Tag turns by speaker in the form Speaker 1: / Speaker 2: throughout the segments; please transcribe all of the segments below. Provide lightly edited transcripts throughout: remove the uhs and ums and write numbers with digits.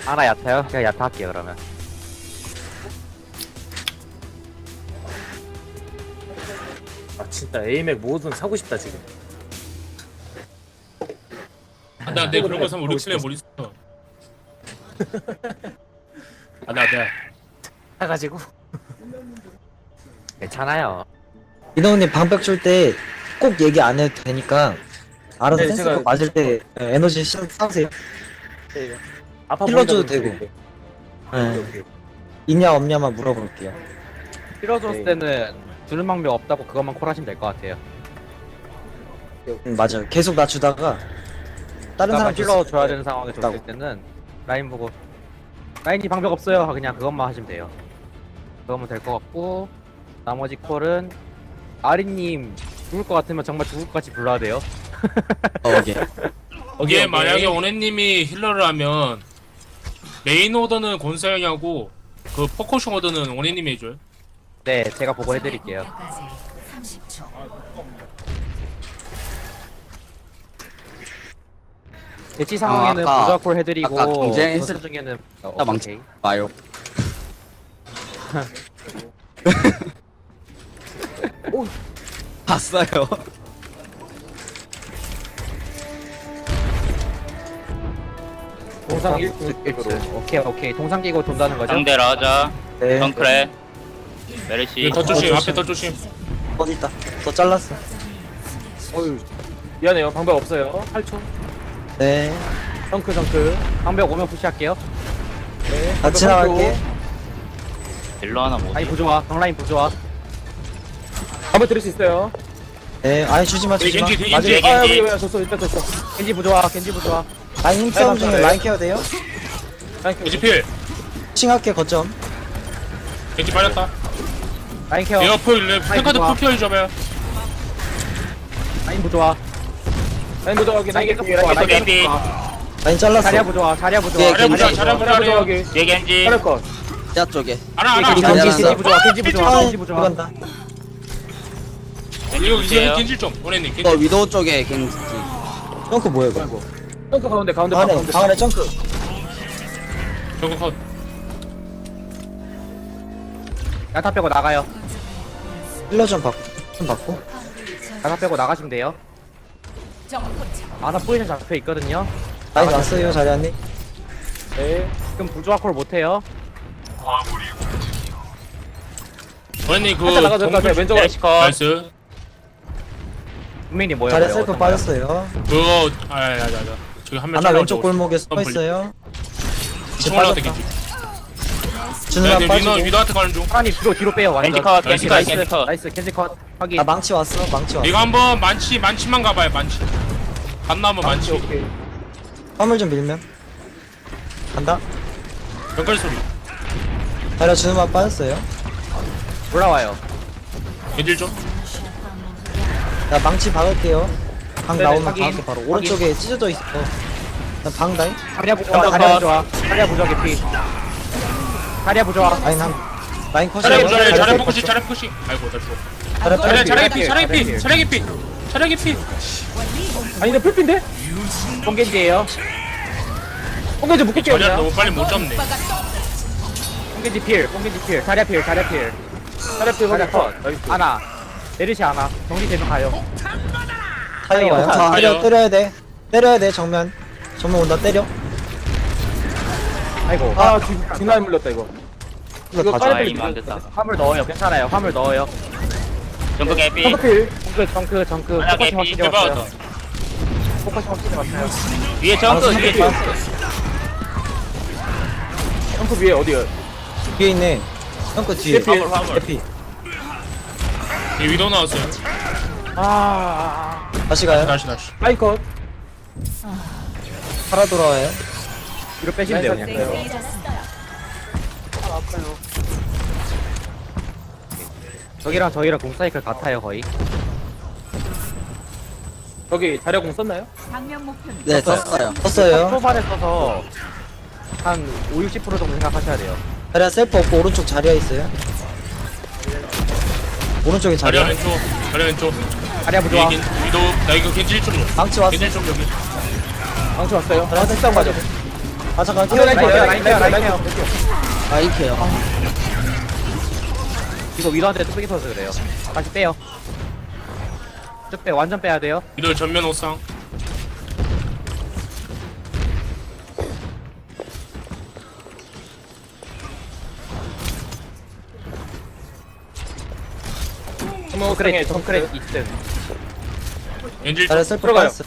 Speaker 1: 하나 얕아요? 제가 얕아 할게요 그러면.
Speaker 2: 아 진짜 에이맥 뭐든 사고 싶다 지금.
Speaker 3: 나 그런 거 사면 우리 클랜 못 있어. 내가
Speaker 2: 사가지고.
Speaker 1: 괜찮아요.
Speaker 4: 이동훈님 방벽 줄 때 꼭 얘기 안 해도 되니까 알아서
Speaker 2: 네,
Speaker 4: 센스가
Speaker 2: 제가-
Speaker 4: 맞을 때 에너지 쌓으세요.
Speaker 2: 아파
Speaker 4: 힐러 줘도
Speaker 2: 보인다고
Speaker 4: 되고.
Speaker 2: 그러는데.
Speaker 4: 네.
Speaker 2: 오케이.
Speaker 4: 있냐 없냐만 물어볼게요.
Speaker 1: 필요줬을 때는 주는 방법 없다고 그것만 콜하시면 될 것 같아요.
Speaker 4: 맞아요. 계속 나 주다가 다른 사람
Speaker 1: 힐러
Speaker 4: 줬을
Speaker 1: 줘야
Speaker 4: 때
Speaker 1: 되는 상황에 줬을
Speaker 4: 없다고.
Speaker 1: 때는 라인 보고 라인이 방법 없어요. 그냥 그것만 하시면 돼요. 그거면 될 것 같고 나머지 콜은 아리님 죽을 것 같으면 정말 죽을 것 같이 불러야 돼요.
Speaker 4: 오케이.
Speaker 3: 이게 만약에 오네님이 힐러를 하면 메인 오더는 곤사 형이 하고 그 포커싱 오더는 오네님이 해줘요.
Speaker 1: 네, 제가 보고 해드릴게요. 대치 상황에는
Speaker 5: 아까-
Speaker 1: 부자 콜 해드리고
Speaker 5: 아까 경쟁했을
Speaker 1: 전투 중에는
Speaker 5: 나 망치 마요. 봤어요.
Speaker 2: 동상
Speaker 1: 일
Speaker 2: 1등.
Speaker 1: 오케이 동상 끼고 돈다는 거죠?
Speaker 6: 상대 라자,
Speaker 4: 네.
Speaker 6: 덩크레, 메르시.
Speaker 3: 더 조심, 앞에 더 조심.
Speaker 4: 어디 있다. 더 잘랐어.
Speaker 2: 어휴. 미안해요. 방법 없어요. 8초.
Speaker 4: 네.
Speaker 2: 덩크.
Speaker 1: 방벽 오면 푸시할게요.
Speaker 2: 네.
Speaker 4: 나 지나갈게.
Speaker 6: 딜러 하나 못.
Speaker 1: 라인 부조화, 강라인 부조화.
Speaker 2: 한번 드릴 수 있어요.
Speaker 4: 네. 아니 주지마 주지마.
Speaker 3: 겐지, 겐지,
Speaker 2: 맞아요.
Speaker 3: 겐지.
Speaker 2: 아 여기 왜 졌어. 일단 졌어.
Speaker 1: 겐지 부조화, 겐지 부조화.
Speaker 4: 아니 힘싸움 중에
Speaker 2: 네.
Speaker 4: 라인 케어 돼요?
Speaker 3: 겐지 필.
Speaker 4: 칭할게 거점.
Speaker 3: 겐지 빠졌다.
Speaker 1: 라인 케어,
Speaker 3: 에어포 일레 팬카드
Speaker 1: 좋아.
Speaker 3: 풀피어 잡아요.
Speaker 1: 라인 부조화.
Speaker 2: 라인 도저하기. 라인
Speaker 1: 계속
Speaker 2: 개피.
Speaker 1: 부조화,
Speaker 6: 라인
Speaker 1: 라인
Speaker 6: 개피.
Speaker 1: 계속 부조화.
Speaker 4: 라인 잘랐어.
Speaker 1: 자리야 부조화, 자리야 부조화.
Speaker 5: 네,
Speaker 3: 잘해 보자,
Speaker 5: 겐지.
Speaker 3: 잘해 보자.
Speaker 2: 도저하기.
Speaker 6: 뒤에 겐지.
Speaker 2: 잘할 것.
Speaker 5: 야 쪽에.
Speaker 3: 알아.
Speaker 1: 겐지,
Speaker 4: 겐지,
Speaker 1: 겐지, 겐지 부조화, 겐지 부조화,
Speaker 4: 아,
Speaker 1: 겐지 부조화.
Speaker 4: 들어간다.
Speaker 3: 이거
Speaker 6: 보세요.
Speaker 3: 겐질 좀. 오네님
Speaker 5: 너
Speaker 3: 겐질.
Speaker 5: 위도우 쪽에 겐지.
Speaker 4: 덩크 뭐야 이거?
Speaker 2: 덩크 가운데
Speaker 4: 방 안에 점크.
Speaker 3: 저거 컷.
Speaker 1: 야타 빼고 나가요.
Speaker 4: 힐러 좀 받고.
Speaker 1: 야타 빼고 나가시면 돼요. 아나 포지션 잡혀 있거든요.
Speaker 4: 라인 왔어요 자리안님.
Speaker 2: 네.
Speaker 1: 지금 부조화 콜 못해요.
Speaker 3: 오네님 그
Speaker 2: 살짝 나가죠.
Speaker 3: 정글
Speaker 2: 왼쪽으로.
Speaker 6: 메르시 컷.
Speaker 3: 나이스.
Speaker 1: 분명히 뭐예요?
Speaker 4: 자리
Speaker 1: 뭐예요?
Speaker 4: 셀프
Speaker 1: 어떤 거요?
Speaker 4: 빠졌어요.
Speaker 3: 그거 저기 한 명.
Speaker 4: 하나 왼쪽 골목에 서 있어요.
Speaker 3: 지금 올라갔다 겐지.
Speaker 4: 주는 한
Speaker 3: 위너
Speaker 4: 빠지고.
Speaker 3: 위너한테 가는 중.
Speaker 1: 하나님 뒤로 빼요 완전.
Speaker 6: 겐지 컷, 겐지 컷,
Speaker 1: 나이스,
Speaker 6: 겐지 컷.
Speaker 1: 나이스 겐지 컷 확인.
Speaker 4: 아 망치 왔어. 망치 왔어.
Speaker 3: 이거 한번 만치만 가봐요 만치. 안 나오면 만치.
Speaker 2: 오케이.
Speaker 4: 화물 좀 밀면. 간다.
Speaker 3: 연결 소리.
Speaker 4: 자리 주는 한 빠졌어요.
Speaker 1: 올라와요.
Speaker 3: 겐질 좀.
Speaker 4: 나 망치 박을게요. 방
Speaker 1: 네네,
Speaker 4: 나오면
Speaker 1: 확인.
Speaker 4: 박을게 바로. 오른쪽에 찢어져 있어. 나방 다이.
Speaker 1: 자리야 부조화, 자리야 부조화, 자리야 부조화 개피. 자리야 부조화.
Speaker 4: 라인 한. 라인 컷이요.
Speaker 3: 잘해 포커싱 잘해 포커싱. 아이고 나 죽어. 잘해 피 잘해 피.
Speaker 2: 아니 내 풀핀데?
Speaker 1: 뽕겐지예요.
Speaker 2: 뽕겐지 묶을게요.
Speaker 3: 자리야
Speaker 2: 그냥.
Speaker 3: 너무 빨리 못 잡네.
Speaker 1: 뽕겐지 필, 뽕겐지 필. 자리야 필, 자리야 필.
Speaker 2: 차례피
Speaker 1: 자리야
Speaker 2: 확인
Speaker 1: 컷.
Speaker 2: 컷. 나이스.
Speaker 1: 하나. 내리시 하나. 정리되면 가요.
Speaker 4: 타이어 와요.
Speaker 1: 자,
Speaker 4: 때려야 돼. 때려야 돼 정면. 정면 온다 때려.
Speaker 1: 아이고.
Speaker 2: 아 뒷라인 물렸다 이거.
Speaker 4: 이거 다
Speaker 2: 빨리
Speaker 4: 줘.
Speaker 6: 아
Speaker 2: 빨리
Speaker 6: 이거 안 됐다.
Speaker 1: 화물 넣어요. 괜찮아요. 화물 넣어요.
Speaker 6: 정크 개피.
Speaker 2: 덩크필.
Speaker 1: 정크.
Speaker 6: 하나
Speaker 1: 포커싱
Speaker 6: 개피.
Speaker 1: 확실히
Speaker 3: 대박.
Speaker 1: 왔어요. 포커싱 확실히 왔어요.
Speaker 6: 위에 정크 위에 정크.
Speaker 2: 덩크 위에 어디요?
Speaker 4: 뒤에 있네. 덩크 뒤에.
Speaker 2: 화물,
Speaker 6: 화물.
Speaker 4: 해피.
Speaker 3: 이 위도 나왔어요.
Speaker 4: 다시 가요.
Speaker 3: 다시.
Speaker 2: 라인 컷.
Speaker 4: 살아 돌아와요.
Speaker 1: 뒤로 빼시면 돼요. 그냥. 저기랑 공 사이클 같아요 거의.
Speaker 2: 저기 자력공 썼나요?
Speaker 5: 네 썼어요.
Speaker 4: 썼어요.
Speaker 1: 초반에 써서 한 5-60% 정도 생각하셔야 돼요.
Speaker 4: 자리야 셀프 없고 오른쪽 자리야 있어요. 오른쪽에
Speaker 3: 자리야
Speaker 4: 자리야.
Speaker 3: 왼쪽. 자리야 왼쪽.
Speaker 1: 자리야 부조화.
Speaker 3: 위도 나 이거 겐질 좀 줘.
Speaker 4: 망치 왔어.
Speaker 3: 겐질 좀 여기.
Speaker 2: 방치 왔어요. 방치 싸움 가죠.
Speaker 4: 아 잠깐
Speaker 1: 라인 케어 라인 케어 라인 케어.
Speaker 5: 라인케요.
Speaker 1: 이거 위도한테 뚝배기 터서 그래요. 다시 빼요. 쭉 빼, 완전 빼야 돼요.
Speaker 3: 이들 전면 옥상.
Speaker 1: 정크렛, 정크렛 2등.
Speaker 3: 엔질
Speaker 4: 자리야 셀프
Speaker 2: 들어가요.
Speaker 4: 빠졌어.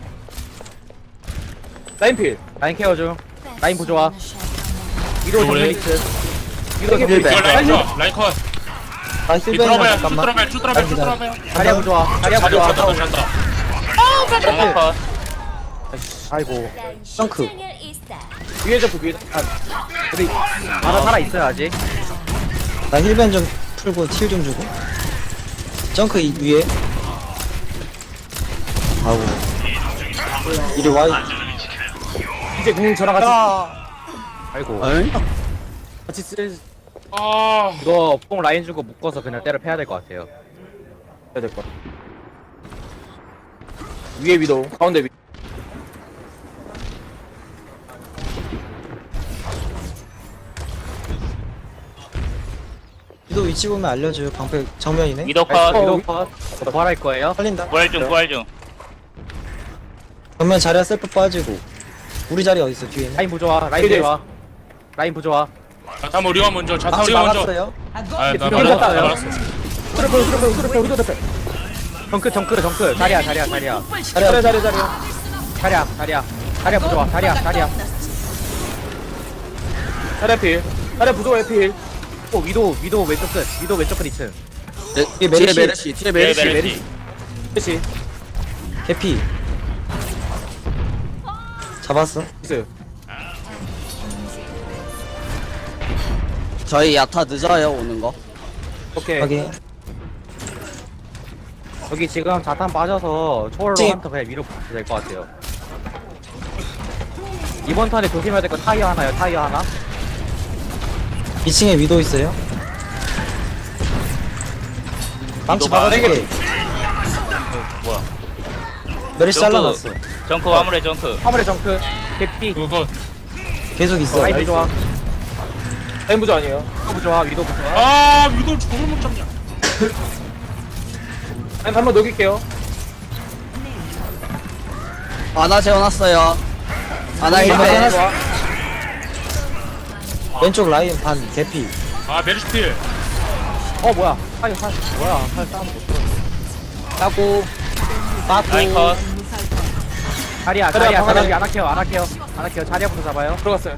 Speaker 2: 라인필.
Speaker 1: 라인 케어 중. 라인 부조화. 위도 정면
Speaker 3: 그래.
Speaker 1: 2등. 위도 정면
Speaker 3: 이거
Speaker 1: 2등.
Speaker 3: 라인 좋아. 라인 컷.
Speaker 4: 아
Speaker 3: 이
Speaker 4: 힐벤
Speaker 3: 들어봐요. 쭉
Speaker 4: 잠깐만.
Speaker 3: 들어봐요. 쭉 들어봐요. 쭉 들어봐요.
Speaker 1: 자리야 부조화. 자리야
Speaker 3: 자리
Speaker 1: 부조화.
Speaker 3: 없었다. 잔다.
Speaker 6: 정글 컷.
Speaker 1: 아이고.
Speaker 4: 덩크.
Speaker 2: 위에 잡고 위에.
Speaker 1: 우리 하나 살아 있어요 아직.
Speaker 4: 나 힐벤 좀 풀고 틸 좀 주고. 정크 위에. 아우. 이리 와.
Speaker 2: 이제 공 저랑 같이
Speaker 1: 아이고.
Speaker 2: 같이 쓸
Speaker 3: 아,
Speaker 1: 이거 뽕 라인 주고 묶어서 그냥 때려 패야 될 것 같아요.
Speaker 2: 해야 될 것. 위에 위도 가운데 위.
Speaker 4: 위도 위치 보면 알려줘요. 방패 정면이네.
Speaker 6: 위도 컷.
Speaker 1: 위도 컷. 부활할 거예요.
Speaker 4: 살린다.
Speaker 6: 부활 중, 부활 중.
Speaker 4: 정면 자리야 셀프 빠지고. 우리 자리 어디 있어 뒤에 있네.
Speaker 1: 라인 부조화. 라인 부조화. 라인 부조화.
Speaker 3: 자탄 우리가 먼저. 자탄
Speaker 4: 망치
Speaker 3: 우리가 먼저.
Speaker 4: 막았어요.
Speaker 3: 아, 나
Speaker 1: 두명
Speaker 3: 말았어. 나
Speaker 1: 잡았어요.
Speaker 3: 말았어.
Speaker 2: 위도 대패.
Speaker 1: 정크. 자리야.
Speaker 4: 자리야.
Speaker 1: 자리야 부조화. 자리야.
Speaker 2: 자리필. 자리 부조의 필.
Speaker 1: 위도 왼쪽 끝. 위도 왼쪽 끝 2층.
Speaker 4: 뒤에
Speaker 5: 뒤에
Speaker 4: 메르시.
Speaker 5: 메르시. 뒤에
Speaker 6: 네,
Speaker 5: 메르시.
Speaker 6: 메르시.
Speaker 2: 그렇지.
Speaker 4: 개피. 잡았어.
Speaker 2: 있어요.
Speaker 5: 저희 야타 늦어요 오는 거.
Speaker 1: 오케이.
Speaker 4: 확인.
Speaker 1: 여기 지금 자탄 빠져서 초월로
Speaker 4: 찡.
Speaker 1: 한턴 그냥 위로 붙여도 될 것 같아요. 이번 턴에 조심해야 될 거 타이어 하나요. 타이어 하나.
Speaker 4: 2층에 위도 있어요. 망치
Speaker 6: 위도가
Speaker 4: 막아줄게.
Speaker 6: 뭐야.
Speaker 4: 메르시
Speaker 6: 정크.
Speaker 4: 잘라놨어.
Speaker 6: 정크 화물에 정크.
Speaker 1: 화물의 정크. 개피.
Speaker 3: 그거 컷.
Speaker 4: 계속 있어.
Speaker 1: 라인 부조화.
Speaker 2: 라인 부조 아니에요.
Speaker 1: 위도 부조화. 위도 부조화.
Speaker 3: 아, 위도 저걸 못 잡냐.
Speaker 2: 라인 한번 녹일게요.
Speaker 5: 아나 재워놨어요. 아나
Speaker 4: 힐벤.
Speaker 5: 1배.
Speaker 4: 왼쪽 라인 반 개피.
Speaker 3: 아, 메르시필.
Speaker 1: 뭐야. 타이어 뭐야. 타이어 싸움 못 들어. 따고.
Speaker 6: 라인 컷.
Speaker 1: 자리야.
Speaker 2: 자리야,
Speaker 1: 여기 안 할게요. 자리야부터 잡아요.
Speaker 2: 들어갔어요.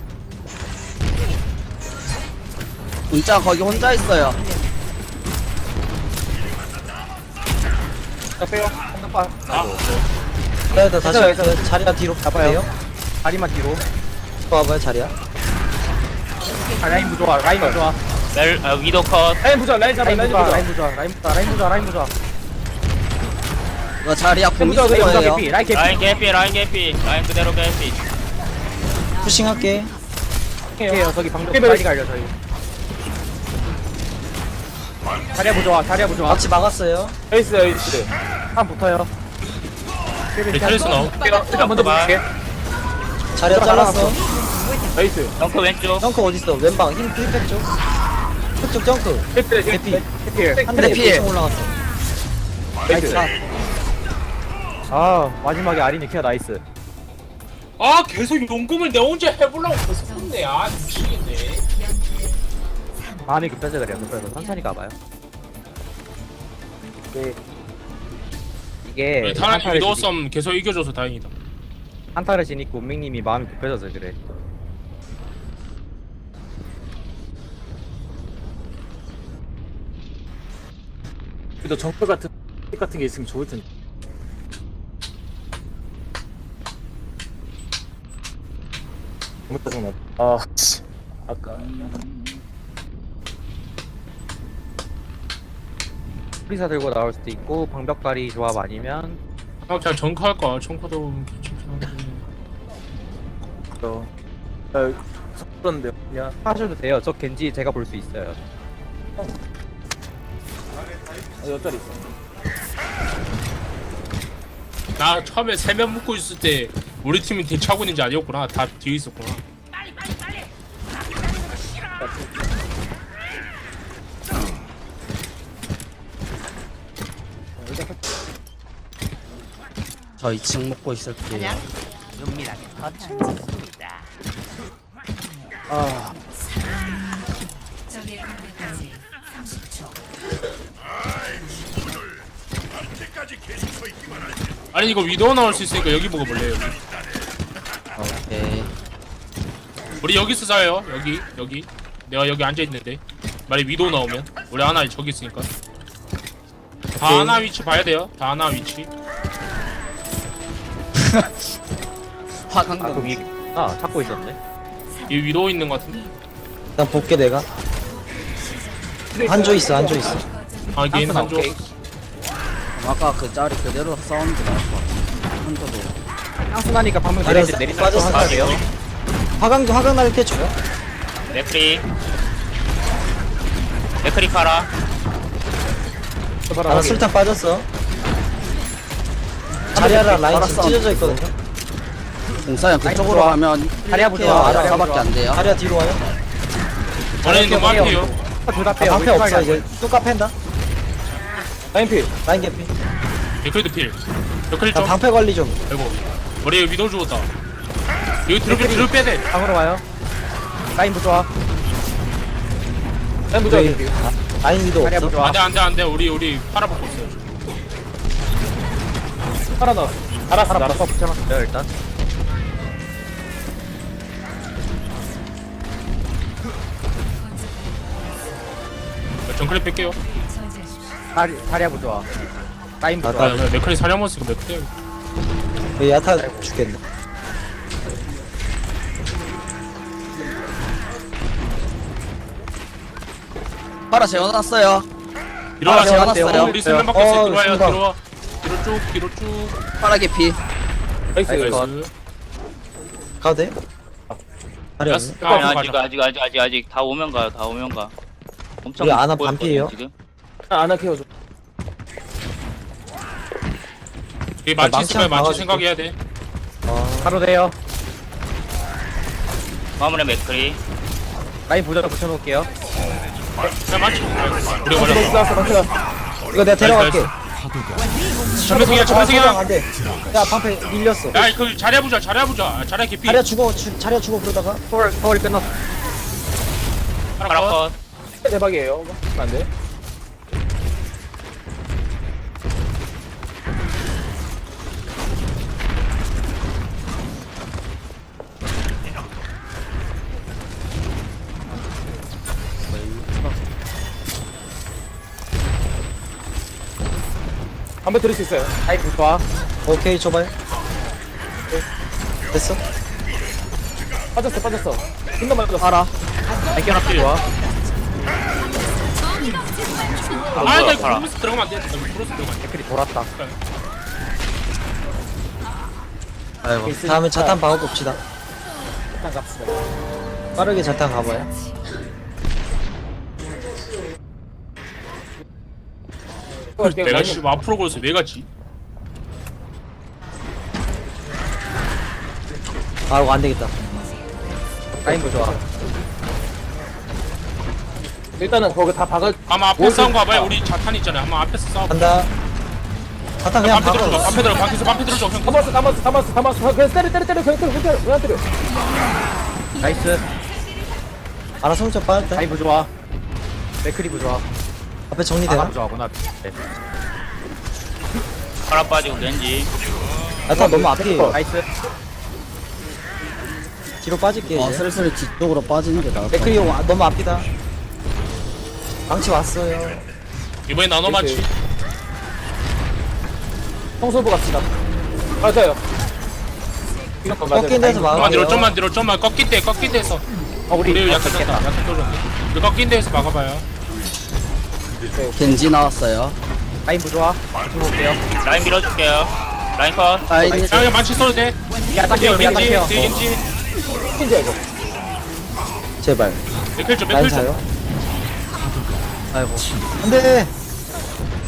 Speaker 5: 문자 거기 혼자 있어요.
Speaker 2: 자 빼요.
Speaker 1: 한번빠
Speaker 4: 그래야 돼 다시
Speaker 2: 괜찮아요,
Speaker 4: 자리야 뒤로 가봐요.
Speaker 1: 다리만 뒤로.
Speaker 4: 와봐요 자리야.
Speaker 1: 라인 부조화. 라인 부조화.
Speaker 6: 위도 컷.
Speaker 2: 라인 부조 라인 잡아. 라인 부조.
Speaker 1: 라인 부조화.
Speaker 5: 이거 자리야 공
Speaker 2: 부자,
Speaker 5: 있을
Speaker 2: 부자,
Speaker 5: 거예요.
Speaker 1: 개피. 라인 개피.
Speaker 6: 라인 개피. 라인 그대로 개피.
Speaker 4: 푸싱할게.
Speaker 1: 오케이요. 저기 방금
Speaker 2: 개피.
Speaker 1: 빨리 갈려 저희. 자리야 부조화.
Speaker 4: 망치 막았어요.
Speaker 2: 에이스.
Speaker 1: 한 붙어요.
Speaker 3: 리트레스 나오.
Speaker 2: 일단 먼저 볼게.
Speaker 4: 자리야 잘랐어.
Speaker 2: 에이스.
Speaker 6: 정크 왼쪽.
Speaker 4: 정크 어딨어? 왼방 힘 힐백 쪽. 쪽 정크.
Speaker 2: 개피.
Speaker 4: 한대
Speaker 5: 피해.
Speaker 4: 피해 올라갔어.
Speaker 2: 에이스.
Speaker 1: 마지막에 아린이 케어 나이스.
Speaker 3: 아, 계속 용금을 내 혼자 해보려고 계속 했네. 아, 미치겠네.
Speaker 1: 마음이 급해서 그래요. 급해서 천천히 가봐요. 이게
Speaker 3: 타락 위도 썸 계속 이겨줘서 다행이다.
Speaker 1: 한타를 지니까 운명님이 마음이 급해져서 그래.
Speaker 2: 그래도 정글 같은 게 있으면 좋을 텐데. 너무 짜증나. 씨. 아까.
Speaker 1: 프리사 들고 나올 수도 있고 방벽다리 조합 아니면
Speaker 3: 아, 그냥 정크 할까? 정크도 괜찮긴 한데.
Speaker 2: 그런데 그냥
Speaker 1: 하셔도 돼요. 저 겐지 제가 볼 수 있어요.
Speaker 2: 옆자리 있어.
Speaker 3: 나 처음에 3명 묶고 있을 때 우리 팀이 대차고 있는지 아니었구나. 다 뒤에 있었구나.
Speaker 5: 저 2층 먹고 있을게요.
Speaker 7: 적의 공격까지 30초.
Speaker 3: 아니 이거 위도우 나올 수 있으니까 여기 보고 볼래요. 여기.
Speaker 5: 오케이.
Speaker 3: 우리 여기서 자요. 여기. 내가 여기 앉아 있는데. 만약 위도우 나오면 우리 하나 저기 있으니까. 다 하나 위치 봐야 돼요. 다 하나 위치.
Speaker 5: 화강도
Speaker 1: 그 위에 찾고 있었네.
Speaker 3: 이 위도우 있는 것 같은데.
Speaker 4: 일단 볼게 내가. 한조 있어.
Speaker 3: 아 게임
Speaker 1: 쌍꺼
Speaker 3: 한조.
Speaker 1: 오케이.
Speaker 5: 아까 그 짤이 그대로 사운드 나올 것 같아. 한조도.
Speaker 1: 향수나니까 방금
Speaker 4: 내렸어.
Speaker 1: 내리지
Speaker 4: 빠졌어.
Speaker 1: 하셔야 돼요.
Speaker 4: 화강 날릴 때 줘요.
Speaker 6: 맥크리. 맥크리 파라.
Speaker 4: 나 술탄 빠졌어. 자리아랑 라인 지금 찢어져 있거든요.
Speaker 5: 공사장 그쪽으로 가면
Speaker 1: 다리야
Speaker 5: 이렇게
Speaker 1: 부좋아.
Speaker 5: 아라사밖에 안 돼요.
Speaker 4: 자리아 뒤로 와요.
Speaker 3: 원래는 너무 앞이에요.
Speaker 1: 둘다
Speaker 4: 아,
Speaker 1: 빼요.
Speaker 4: 방패 없어 이제. 뚜까 팬다.
Speaker 1: 라인 필.
Speaker 4: 라인 개피.
Speaker 3: 데크리도 필. 데크리
Speaker 4: 나
Speaker 3: 좀.
Speaker 4: 방패 관리 좀.
Speaker 3: 아이고. 머리에 위도우 죽었다. 여기 뒤로 빼야 돼.
Speaker 1: 방으로 와요. 라인 부좋아. 라인
Speaker 4: 저기 라인 위도
Speaker 1: 다리야
Speaker 4: 없어.
Speaker 1: 부좋아.
Speaker 3: 안돼. 우리 팔아먹고 있어요.
Speaker 1: 팔아 넣어. 알았어. 붙여놨어요 일단.
Speaker 3: 정크랩 뺄게요.
Speaker 1: 다리야 부좋아. 라인
Speaker 3: 아,
Speaker 1: 부좋아.
Speaker 3: 맥크리 사려먹었으니까 맥크리.
Speaker 4: 여기 야타 죽겠네.
Speaker 5: 파라 재워놨어요.
Speaker 3: 일어나.
Speaker 5: 재워놨어요.
Speaker 3: 우리 수면 밖에 있어. 들어와요.
Speaker 4: 순간.
Speaker 3: 들어와. 뒤로 쭉.
Speaker 5: 파라 개피.
Speaker 3: 나이스.
Speaker 4: 가도 돼? 자리
Speaker 3: 야스.
Speaker 4: 없네.
Speaker 6: 아니, 아직 다 오면 가요. 다 오면 가. 엄청
Speaker 4: 우리 아나
Speaker 6: 보였거든요,
Speaker 4: 반피예요?
Speaker 6: 지금.
Speaker 3: 이 만치
Speaker 4: 망치
Speaker 3: 있으면
Speaker 4: 한번
Speaker 3: 만치
Speaker 4: 박아줄게.
Speaker 3: 생각해야 돼.
Speaker 1: 바로 돼요.
Speaker 6: 화물에 맥크리.
Speaker 1: 라인 부좋아 붙여놓을게요.
Speaker 3: 야 만치. 우리 걸렸어.
Speaker 4: 이거 내가 데려갈게.
Speaker 3: 전면승이야.
Speaker 4: 안 돼. 야 방패 밀렸어.
Speaker 3: 야, 그 자리야 보자. 자리야 개피.
Speaker 4: 자리야 죽어 그러다가.
Speaker 1: 서울 끝났어.
Speaker 6: 파라 컷.
Speaker 1: 대박이에요. 안 돼. 한번 들을 수 있어요. 라인 부좋아.
Speaker 4: 오케이 줘봐요. 됐어?
Speaker 1: 빠졌어. 힘도 맞았어.
Speaker 5: 파라.
Speaker 1: 라인 껴놨어. 좋아.
Speaker 3: 아, 나 이거 브루스 들어가면 안 돼. 브루스 들어가면 안 돼.
Speaker 1: 댓글이 돌았다.
Speaker 5: 아이고.
Speaker 4: 다음에 자탄 박아봅시다.
Speaker 1: 일단 갑시다.
Speaker 4: 빠르게 자탄 가봐요.
Speaker 3: 내가 씨 앞으로 걸어서 왜 갔지?
Speaker 4: 아 이거 안 되겠다.
Speaker 1: 라인 부좋아. 일단은 거기 다 박을.
Speaker 3: 아마 앞에 싸운 거 봐봐요. 우리 자탄 있잖아요. 아마 앞에서 싸워.
Speaker 4: 간다. 자탄 그냥
Speaker 3: 반패 들어줘.
Speaker 4: 박아.
Speaker 3: 반패 들어줘. 형.
Speaker 1: 담았어. 그냥 때려. 그냥 때려. 나이스.
Speaker 4: 알아서 혼자 빠졌다.
Speaker 1: 라인 부좋아. 맥크리 부좋아.
Speaker 4: 앞에 정리되나?
Speaker 1: 부좋아구나. 네.
Speaker 6: 파라 빠지고 겐지.
Speaker 4: 야타 너무 앞이에요.
Speaker 1: 나이스.
Speaker 4: 뒤로 빠질게 이제.
Speaker 5: 슬슬 뒤쪽으로 빠지는 게 나을 것
Speaker 4: 맥크리 너무 앞이다. 망치 왔어요.
Speaker 3: 이번에 나눠 맞지.
Speaker 1: 청소부 갑시다. 맞아요.
Speaker 4: 꺾인 데서 막아요.
Speaker 3: 좀만 뒤로. 꺾인 데에서. 우리 약간 졌다. 약간 떨어졌네. 우리 꺾인 데에서 막아봐요.
Speaker 5: 같아. 겐지 나왔어요.
Speaker 1: 라인 부좋아. 붙여볼게요.
Speaker 6: 라인 밀어줄게요. 라인 컷.
Speaker 5: 라인이
Speaker 3: 야, 그냥 만치 써도 돼.
Speaker 1: 야, 딱해요.
Speaker 3: 뒤에
Speaker 1: 야, 딱해요.
Speaker 3: 겐지.
Speaker 4: 제발.
Speaker 3: 맥클 좀.
Speaker 4: 라인 사요.
Speaker 5: 아이고.
Speaker 4: 안돼.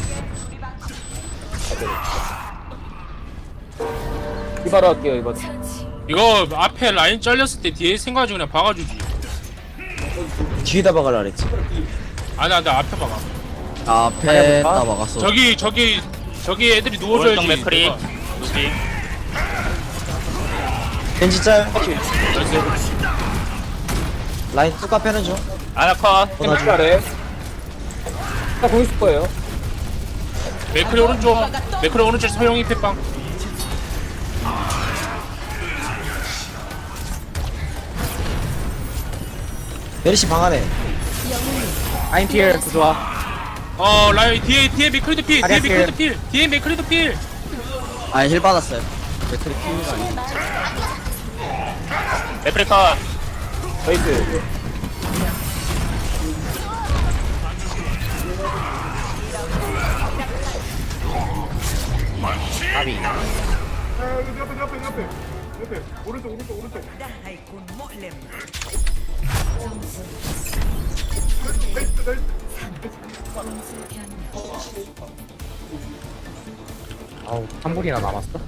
Speaker 1: 이바로 할게요, 이거.
Speaker 3: 이거 앞에 라인 잘렸을 때 뒤에 생각하지 그냥 박아주지.
Speaker 4: 뒤에다 박으라 그랬지.
Speaker 3: 아니 나 앞에 박아.
Speaker 5: 앞에다 막았어.
Speaker 3: 저기 애들이 누워줘야지.
Speaker 6: 오른쪽 맥크리
Speaker 3: 내가.
Speaker 6: 루시
Speaker 4: 겐지 짤.
Speaker 3: 나이스.
Speaker 4: 라인 뚜까 패는 중.
Speaker 6: 아나 컷
Speaker 4: 도와줘.
Speaker 1: 아래. 나공 있을 거예요.
Speaker 3: 맥크리 오른쪽 서영이 패빵.
Speaker 4: 메리시 방 안에.
Speaker 1: 아인 필 좋아.
Speaker 3: 라인 뒤에 맥크리도 필. 뒤에
Speaker 1: 아리아
Speaker 3: 맥크리도 필. 뒤에 맥크리도 필.
Speaker 5: 아, 힐 받았어요.
Speaker 6: 맥크리 컷
Speaker 1: 나이스. 아비. 아우 3분이나 남았어?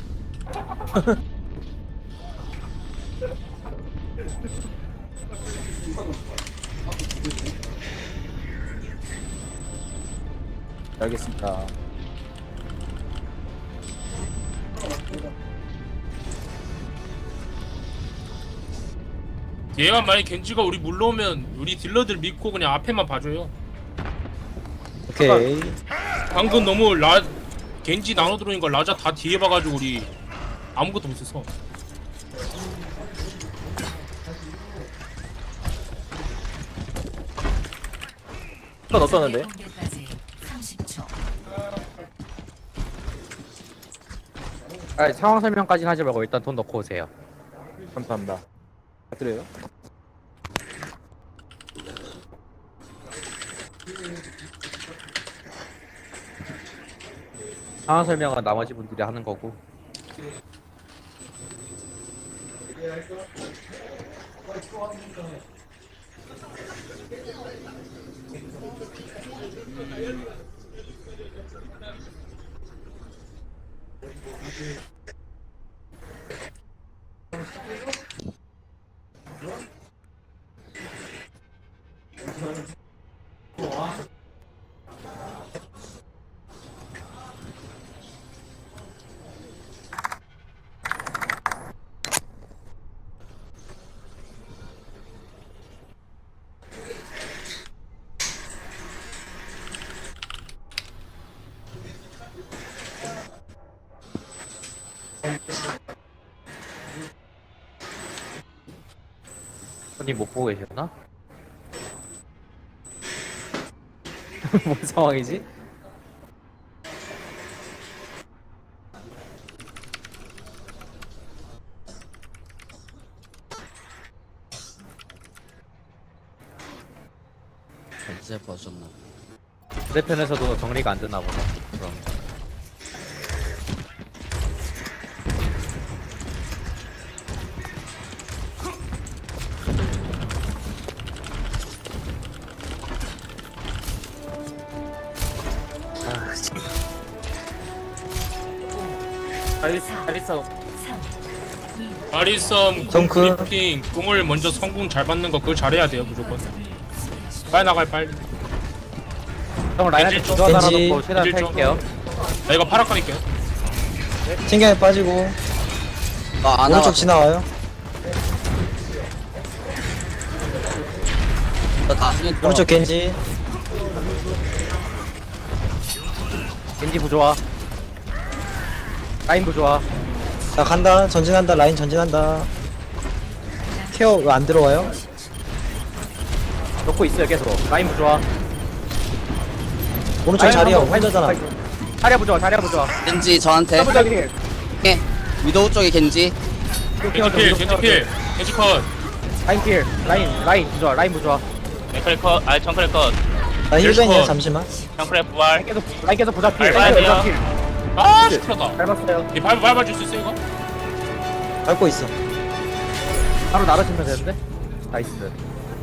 Speaker 1: 알겠습니다.
Speaker 3: 얘가 만약 겐지가 우리 물러오면 우리 딜러들 믿고 그냥 앞에만 봐줘요.
Speaker 4: 오케이.
Speaker 3: 방금 너무 겐지 나눠 들어오니까 라자 다 뒤에 봐가지고 우리 아무것도 못해서.
Speaker 1: 건 어떠는데?
Speaker 7: 공개까지 30초.
Speaker 1: 아, 상황 설명까지는 하지 말고 일단 돈 넣고 오세요. 감사합니다. 드려요. 상황 설명은 나머지 분들이 하는 거고. 손님 못 보고 계셨나? 뭔 상황이지?
Speaker 5: 이제 봐줬나.
Speaker 1: 반대편에서도 정리가 안 되나 보다. 그럼.
Speaker 2: 알리싸
Speaker 3: 아리썸
Speaker 4: 덩크.
Speaker 3: 공리팅 공을 먼저 성공 잘 받는 거 그거 잘해야 돼요 무조건. 빨리 나가요 빨리.
Speaker 1: 형 라인한테
Speaker 3: 겐지
Speaker 1: 주저 하나
Speaker 4: 겐지.
Speaker 1: 넣고 최대한
Speaker 3: 겐지 좀.
Speaker 1: 탈게요.
Speaker 3: 나 이거 파라 깔릴게요.
Speaker 4: 챙겨야 빠지고.
Speaker 5: 아, 안
Speaker 4: 오른쪽 지나와요.
Speaker 5: 나중에 또
Speaker 4: 오른쪽 겐지.
Speaker 1: 겐지 부조화. 라인 부조화.
Speaker 4: 나 간다. 전진한다. 라인 전진한다. 케어 왜 안 들어와요?
Speaker 1: 넣고 있어요 계속. 라인 부조화.
Speaker 4: 오른쪽 자리야. 혼자잖아.
Speaker 1: 자리야 부조화. 자리야 부조화.
Speaker 5: 겐지 저한테.
Speaker 1: 더블
Speaker 5: 예. 위도우 쪽에 겐지.
Speaker 3: 겐지 필 겐지 필 겐지 컷.
Speaker 1: 라인 필. 라인 부조화. 라인 부조화.
Speaker 6: 맥크리 컷 아니 정크리 컷
Speaker 4: 나 힐벤이야.
Speaker 3: 컷.
Speaker 4: 잠시만.
Speaker 6: 정크리 부활
Speaker 1: 라인 계속 부자 필.
Speaker 6: 밟아야
Speaker 1: 라인
Speaker 6: 돼요.
Speaker 1: 계속 필.
Speaker 3: 아 시끄러다.
Speaker 1: 밟았어요.
Speaker 3: 이 밟아줄 수 있어 이거?
Speaker 4: 밟고 있어.
Speaker 1: 바로 나르시면 되는데. 나이스.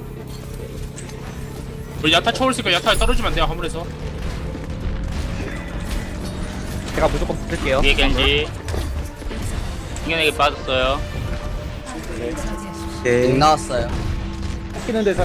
Speaker 3: 우리 야타 쳐올 수 있으니까 야타에 떨어지면 안 돼요 화물에서.
Speaker 1: 제가 무조건 붙을게요.
Speaker 6: 뒤에 겐지 튕겨내기 빠졌어요
Speaker 7: 저지하십시오.
Speaker 4: 오케이.
Speaker 5: 링 나왔어요.
Speaker 2: 키는 데서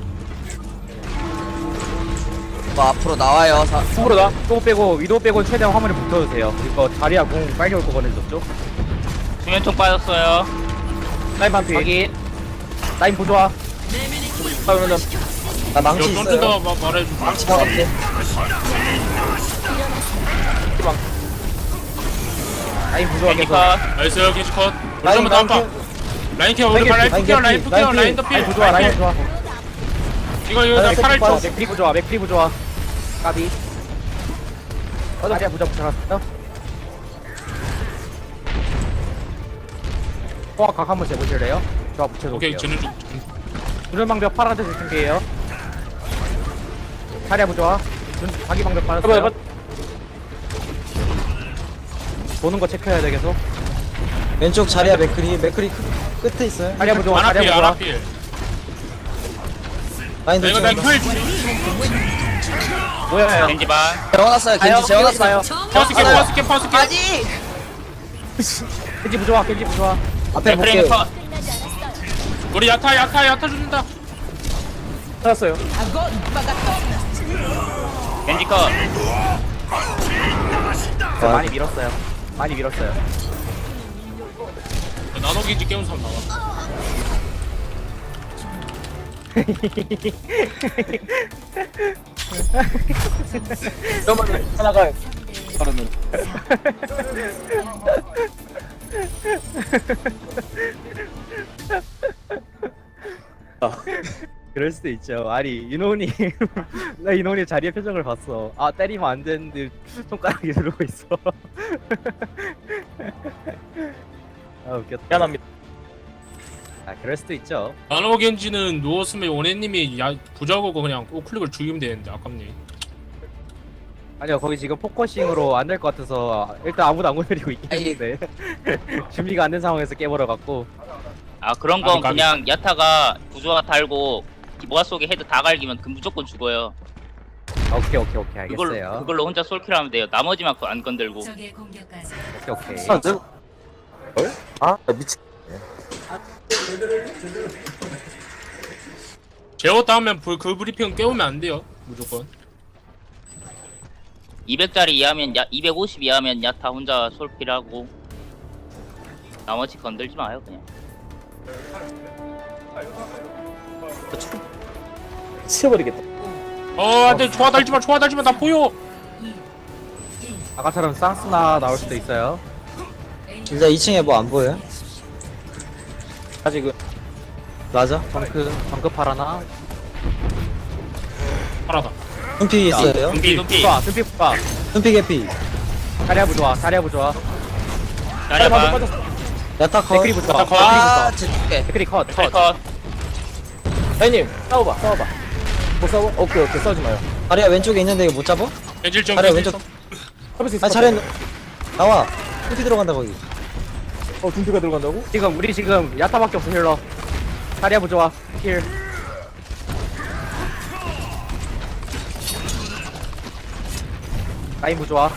Speaker 5: 뭐 앞으로 나와요.
Speaker 1: 으로 나. 위도 빼고 최대한 화물에 붙어주세요. 이거 자리야 공 빨리 올 거거든요, 저쪽.
Speaker 6: 중현총 빠졌어요.
Speaker 1: 라인 반피. 확인. 라인 보조아. 그러면
Speaker 4: 나 망치
Speaker 3: 여기
Speaker 4: 있어요.
Speaker 3: 던진다 말해줘.
Speaker 4: 망치 박았대.
Speaker 1: 라인 보조아
Speaker 6: 겐지
Speaker 1: 계속.
Speaker 6: 컷.
Speaker 3: 나이스 겐지 컷.
Speaker 4: 라인
Speaker 3: 그러면 다음 파. 라인 케어 오늘 라인
Speaker 4: 라인
Speaker 3: 케어 라인
Speaker 4: 개피,
Speaker 3: 케어
Speaker 4: 라인
Speaker 3: 라인 더
Speaker 1: 라인
Speaker 3: 필.
Speaker 1: 보조아, 라인 보조아.
Speaker 3: 이거 나
Speaker 4: 라인
Speaker 3: 팔을
Speaker 4: 개피
Speaker 3: 쳐.
Speaker 4: 빠졌어.
Speaker 1: 맥크리 보조아, 맥크리 보조아. 까비. 자리야 보자 붙여놨어. 호각 한번 재보실래요? 저 붙여놓을게요.
Speaker 3: 오케이 쟤는 좀
Speaker 1: 주전방벽 파란색 준비해요. 자리야 보조아. 자기 방벽 받았어요. 보는 거 체크해야 돼 계속.
Speaker 4: 왼쪽 자리야 맥크리 끝에 있어요.
Speaker 1: 자리야 보조아,
Speaker 3: 아나필
Speaker 1: 자리야 보조아.
Speaker 3: 아나필.
Speaker 4: 라인
Speaker 3: 이거
Speaker 4: 도착.
Speaker 3: 나 큐일
Speaker 1: 뭐야?
Speaker 6: 겐지 반.
Speaker 5: 재워놨어요. 겐지 재워놨어요.
Speaker 3: 퍼스게 퍼스게 퍼스게.
Speaker 1: 겐지 보조아, 겐지 보조아.
Speaker 4: 앞에 볼게.
Speaker 6: 프레임 컷.
Speaker 3: 우리 야타 준다.
Speaker 2: 찾았어요.
Speaker 6: 겐지 컷.
Speaker 1: 많이 밀었어요. 많이 밀었어요.
Speaker 3: 나노 겐지 깨운 사람 나와.
Speaker 2: 그러면 하나가 그러면
Speaker 1: 그럴 수도 있죠. 아니 인원이 나 인원이 자리의 표정을 봤어. 아 때리면 안 되는데 손가락이 누르고 있어. 아 웃겼다.
Speaker 2: 미안합니다.
Speaker 1: 아 그럴 수도 있죠.
Speaker 3: 나노 겐지는 누웠으면 원해님이 부자고고 그냥 우클릭을 죽이면 되는데 아깝네.
Speaker 1: 아니요 거기 지금 포커싱으로 안 될 것 같아서 일단 아무도 안 건드리고 있긴 했는데 준비가 안 된 상황에서 깨버려 갖고.
Speaker 6: 아 그런 건
Speaker 3: 까비.
Speaker 6: 그냥 야타가 부조화 달고 모아 속에 헤드 다 갈기면 그 무조건 죽어요.
Speaker 1: 아, 오케이 알겠어요.
Speaker 6: 그걸로 혼자 솔킬하면 돼요. 나머지만 안 건들고.
Speaker 7: 적의 공격까지
Speaker 1: 오케이.
Speaker 2: 아 미친.
Speaker 3: 제어 다음엔 그 브리핑은 깨우면 안 돼요 무조건.
Speaker 6: 200짜리 이하면 250 이하면 야타 혼자 솔킬하고 나머지 건들지 마요 그냥.
Speaker 2: 치워버리겠다.
Speaker 3: 안돼 좋아 달지마 나 보여.
Speaker 1: 아까처럼 쌍스나 나올 수도 있어요.
Speaker 4: 일단 2층에 뭐 안 보여요?
Speaker 2: 아직은
Speaker 4: 맞아.
Speaker 1: 정크 파라나.
Speaker 3: 파라다.
Speaker 4: 눈피 있어요.
Speaker 6: 눈피
Speaker 1: 봐, 눈빛 봐.
Speaker 4: 눈피 개피.
Speaker 1: 자리야 보조아, 자리야 보조아.
Speaker 6: 잘해봐.
Speaker 4: 야타 컷.
Speaker 1: 맥크리 보조아.
Speaker 5: 아, 제줄게.
Speaker 1: 맥크리 컷.
Speaker 6: 컷.
Speaker 2: 형님 싸워봐. 못 싸워? 오케이 싸우지 마요.
Speaker 4: 자리야 왼쪽에 있는데 이거 못 잡아?
Speaker 3: 겐질 좀
Speaker 4: 자리야
Speaker 3: 겐질
Speaker 4: 왼쪽.
Speaker 3: 좀.
Speaker 2: 잡을 수 있어.
Speaker 4: 아 자리야 나와. 눈피 들어간다 거기.
Speaker 2: 둠피가 들어간다고?
Speaker 1: 우리 지금 야타밖에 없어 힐러. 자리야 보조아. 힐. 라인 보조아.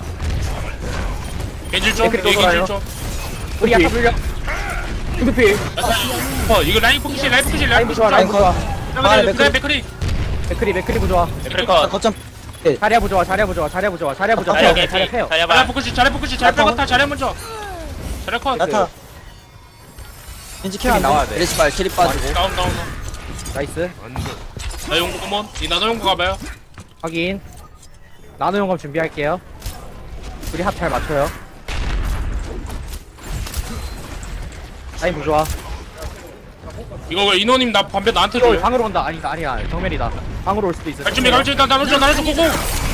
Speaker 3: 겐질 좀.
Speaker 1: 댓글
Speaker 3: 겐질
Speaker 1: 써봐요.
Speaker 3: 좀.
Speaker 1: 우리 야타 불려.
Speaker 2: 둠피.
Speaker 3: 이거 라인 포커싱
Speaker 1: 라인 보조아, 라인 보조아.
Speaker 4: 아,
Speaker 3: 맥크리.
Speaker 1: 맥크리 보조아.
Speaker 6: 맥크리 컷.
Speaker 4: 거점.
Speaker 1: 자리야 보조아, 자리야 보조아. 자리야
Speaker 6: 자리야
Speaker 1: 오케이, 자리야
Speaker 6: 개피.
Speaker 1: 패요.
Speaker 6: 자리야
Speaker 3: 잘해 포커싱 잘 빼갔다 잘해 먼저. 잘해 컷.
Speaker 4: 야타. 왠지 케어 안
Speaker 1: 나와야
Speaker 4: 돼.
Speaker 1: 돼.
Speaker 5: 메리시발 캐리 빠지고.
Speaker 3: 다운.
Speaker 1: 나이스.
Speaker 3: 나 용구 한번. 이 나노 용구 가봐요.
Speaker 1: 확인. 나노 용검 준비할게요. 우리 합 잘 맞춰요. 라인 보조아.
Speaker 3: 이거 왜 인호님 나 반배 나한테
Speaker 1: 또
Speaker 3: 줘요?
Speaker 1: 방으로 온다. 아니야. 정면이다. 방으로 올 수도 있어.
Speaker 3: 갈 준비 나눠 줘 고고.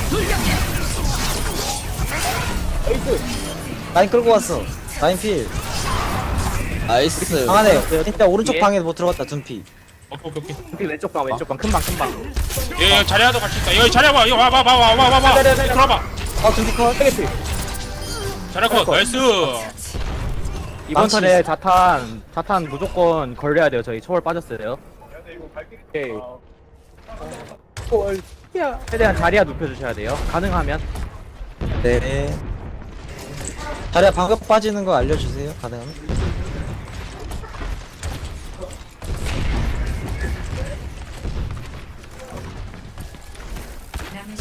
Speaker 4: 라인 끌고 왔어. 라인 필.
Speaker 5: 나이스.
Speaker 4: 방 안에. 일단 오른쪽
Speaker 1: 예.
Speaker 4: 방에 못 들어갔다 둔피.
Speaker 3: 오케이.
Speaker 1: 우리 왼쪽 방 큰 방.
Speaker 3: 얘 자리야도 같이 있다. 여기 자리야 봐. 이거 와봐. 들어봐.
Speaker 4: 아 둔피 컷.
Speaker 3: 자리야 컷. 나이스.
Speaker 1: 이번
Speaker 4: 망치
Speaker 1: 턴에 자탄 무조건 걸려야 돼요. 저희 초월 빠졌어요.
Speaker 2: 오케이.
Speaker 1: 최대한 자리야 눕혀주셔야 돼요. 가능하면.
Speaker 4: 네. 자리야 방금 빠지는 거 알려주세요. 가능하면.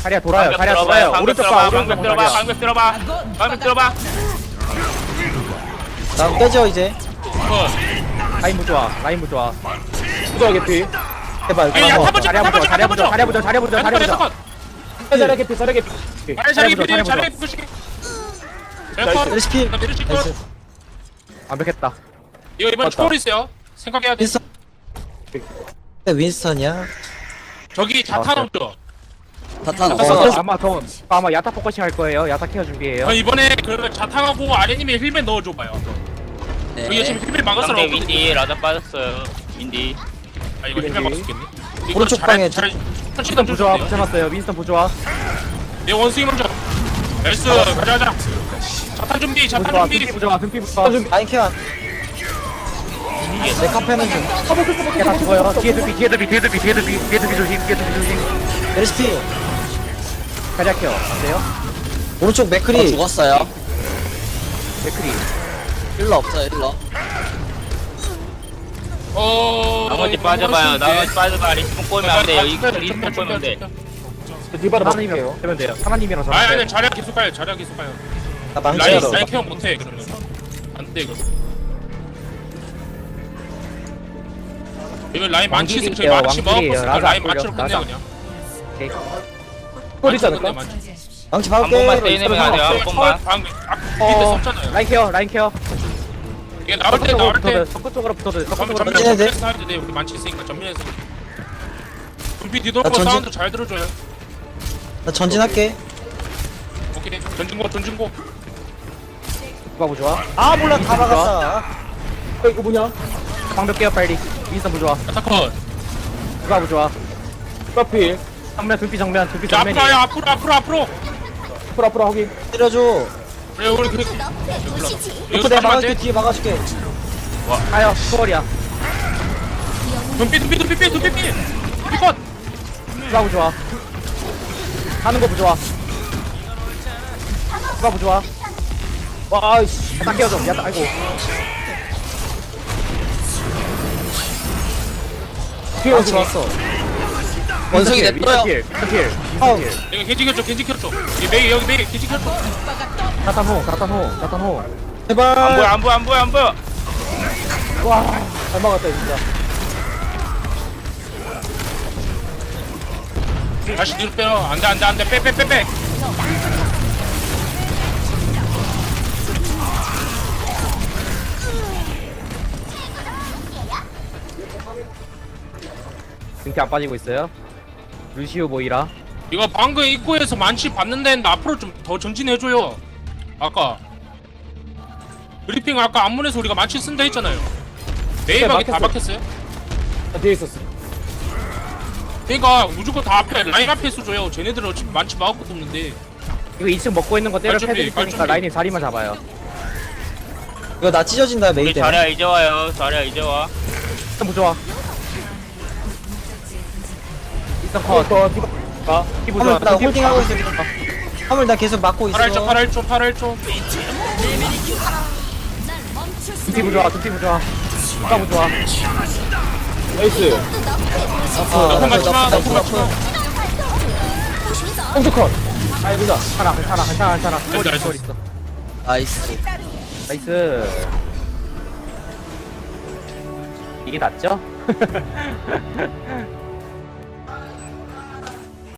Speaker 1: 자리야 돌아요.
Speaker 6: 방벽
Speaker 1: 자리야
Speaker 6: 들어봐요.
Speaker 1: 돌아요.
Speaker 6: 방벽
Speaker 1: 오른쪽
Speaker 6: 들어봐.
Speaker 1: 봐.
Speaker 6: 방벽
Speaker 1: 오른쪽
Speaker 6: 들어봐.
Speaker 1: 자리야.
Speaker 6: 방벽 들어봐. 방벽 들어봐.
Speaker 4: 나 깨져 이제.
Speaker 1: 라인 부좋아. 라인 부좋아.
Speaker 2: 부자 개피.
Speaker 4: 제발.
Speaker 3: 야,
Speaker 4: 가서.
Speaker 3: 타보자,
Speaker 1: 자리야 부좋아. 자리야 부좋아. 자리야 부좋아. 자리야 부좋아. 자리야 부좋아.
Speaker 2: 자리 개피, 자리 개피.
Speaker 3: 자리
Speaker 1: 보자,
Speaker 3: 필,
Speaker 1: 자리
Speaker 3: 자리
Speaker 1: 보자.
Speaker 3: 부시게.
Speaker 4: 메르시 필. 나이스.
Speaker 1: 완벽했다.
Speaker 3: 이거 이번
Speaker 2: 맞다.
Speaker 3: 초월 있어요. 생각해야 돼.
Speaker 4: 윈스턴. 윈스턴이야?
Speaker 3: 저기 자탄 없죠.
Speaker 5: 자탄
Speaker 1: 어,
Speaker 5: 없어.
Speaker 1: 아마 야타 포커싱 할 거예요. 야타 케어 준비해요.
Speaker 3: 저 이번에 그러면 자탄하고 아래님의 힐맨 넣어줘봐요. 여기 지금 힐맨 막았어.
Speaker 6: 상대 윈디 라자 빠졌어요. 윈디.
Speaker 3: 아 이거 힐맨 막았겠네.
Speaker 4: 오른쪽 방에
Speaker 3: 천천히
Speaker 1: 윈스턴 부좋아.
Speaker 3: 던져주세요.
Speaker 1: 붙여놨어요. 윈스턴 부좋아.
Speaker 3: 내 원숭이 먼저. 나이스. 가자. 자탄 준비. 자탄
Speaker 1: 부좋아.
Speaker 3: 준비.
Speaker 1: 등피 부좋아. 등피 부좋아.
Speaker 4: 라인 케어. 내 카페는 좀.
Speaker 1: 야다 죽어요. 뒤에 등피. 뒤에 등피. 뒤에 등피. 뒤에 등피. 뒤에 등피 조심. 뒤에 등피 조심.
Speaker 4: 메르시 필.
Speaker 1: 자리야 케어. 안 돼요?
Speaker 4: 오른쪽 맥크리.
Speaker 5: 죽었어요.
Speaker 1: 맥크리.
Speaker 5: 힐러 없어요, 힐러.
Speaker 6: 나머지 빠져봐요. 나머지 빠져봐. 리스폰 꼬이면 안 돼요. 이 리스폰 꼬이면 돼.
Speaker 2: 디바를
Speaker 1: 하나님이랑
Speaker 2: 맞을게요.
Speaker 1: 되면 돼요. 하나님이랑 저랑.
Speaker 3: 아니
Speaker 1: 돼요.
Speaker 3: 아니 자리야 계속 가요. 자리야 계속 가요.
Speaker 4: 나
Speaker 3: 라인
Speaker 4: 망치로.
Speaker 3: 라인 케어 못해 그러면. 안돼 이거. 이거 라인 망치 있으면 저희 망치
Speaker 1: 왕길이에요.
Speaker 3: 먹었어.
Speaker 1: 라자
Speaker 3: 라인
Speaker 1: 안
Speaker 3: 망치로
Speaker 1: 걸려.
Speaker 3: 끝내
Speaker 1: 라자.
Speaker 3: 그냥.
Speaker 1: 오케이.
Speaker 2: 콜 있지 않을까?
Speaker 3: 망치.
Speaker 7: 저지하십시오.
Speaker 4: 망치
Speaker 6: 한 번만
Speaker 4: 박을게.
Speaker 6: 세이내면 안 돼요. 한 번만.
Speaker 3: 방금 밑에 썼잖아요.
Speaker 1: 라인 케어. 라인 케어.
Speaker 3: 이게 나올 때 나올 때.
Speaker 1: 석구 쪽으로 붙어도 돼. 석구
Speaker 3: 그럼
Speaker 1: 쪽으로
Speaker 3: 전면
Speaker 4: 던져야 돼?
Speaker 3: 전면에서 사야 돼. 우리 많지 있으니까 전면에서. 금피 뒤돌고
Speaker 4: 나 전진-
Speaker 3: 사운드 잘 들어줘요.
Speaker 4: 나 전진할게.
Speaker 3: 오케이. 전진고 전진고.
Speaker 1: 누가 부좋아?
Speaker 4: 아 몰라 다 막았다.
Speaker 2: 이거 뭐냐?
Speaker 1: 방벽 깨요 빨리. 윈스턴 부좋아.
Speaker 3: 아타컷.
Speaker 1: 누가 부좋아?
Speaker 2: 디바 필.
Speaker 1: 정면 등피 정면. 등피
Speaker 3: 자, 앞으로
Speaker 1: 정면이.
Speaker 3: 와요. 앞으로.
Speaker 2: 앞으로 확인.
Speaker 4: 때려줘.
Speaker 3: 그래 우리 그.
Speaker 4: 이거 내가 막아줄게. 뒤에 막아줄게.
Speaker 1: 가요. 초월이야.
Speaker 3: 눈빛. 컷.
Speaker 1: 누가 부좋아? 하는 거 부좋아. 누가 부좋아?
Speaker 2: 와, 아이씨.
Speaker 1: 야타 깨워 좀. 야타 아이고.
Speaker 2: 뒤에
Speaker 4: 망치
Speaker 2: 왔어.
Speaker 4: 왔어.
Speaker 5: 원숭이
Speaker 1: 윈스턴
Speaker 5: 냅둬요.
Speaker 1: 킬. 윈스턴 킬.
Speaker 4: 아우.
Speaker 3: 이거 겐지 켰죠. 여기 메이 겐지 켰죠.
Speaker 1: 자탄 호.
Speaker 4: 제발.
Speaker 6: 안 보여.
Speaker 2: 와, 잘 막았다, 진짜.
Speaker 3: 다시 뒤로 빼요. 안돼. 빼.
Speaker 1: 등피 안 빠지고 있어요. 루시우 모이라.
Speaker 3: 이거 방금 입구에서 만치 봤는데 앞으로 좀 더 전진해줘요. 아까 브리핑 아까 안문에서 우리가 만치 쓴다 했잖아요. 네이버에 다
Speaker 2: 막혔어요.
Speaker 3: 박혔어요.
Speaker 2: 나 뒤에 있었어.
Speaker 3: 그러니까 무조건 다 앞에 라인 앞에 써줘요. 쟤네들은 어차피 만치 막을 것도 없는데.
Speaker 1: 이거 2층 먹고 있는 거 때려
Speaker 3: 빨리 준비,
Speaker 1: 패드릴
Speaker 3: 빨리
Speaker 1: 테니까
Speaker 3: 준비.
Speaker 1: 라인이 자리만 잡아요.
Speaker 4: 이거 나 찢어진다 메이
Speaker 6: 우리
Speaker 4: 때문에.
Speaker 6: 자리야 이제 와요. 자리야 이제 와.
Speaker 1: 일단 부좋아. 일단 컷.
Speaker 2: 이거 디바. 아,
Speaker 1: 키 부좋아.
Speaker 4: 화물 나 홀딩하고 있어. 화물 나 계속 막고 있어.
Speaker 3: 8초.
Speaker 1: 등피 부좋아. 누가 부좋아?
Speaker 2: 나이스.
Speaker 3: 너프 맞지 마.
Speaker 2: 홍수 컷. 아이고자.
Speaker 1: 괜찮아.
Speaker 3: 나이스.
Speaker 1: 초월 있어.
Speaker 5: 나이스.
Speaker 1: 나이스. 이게 낫죠?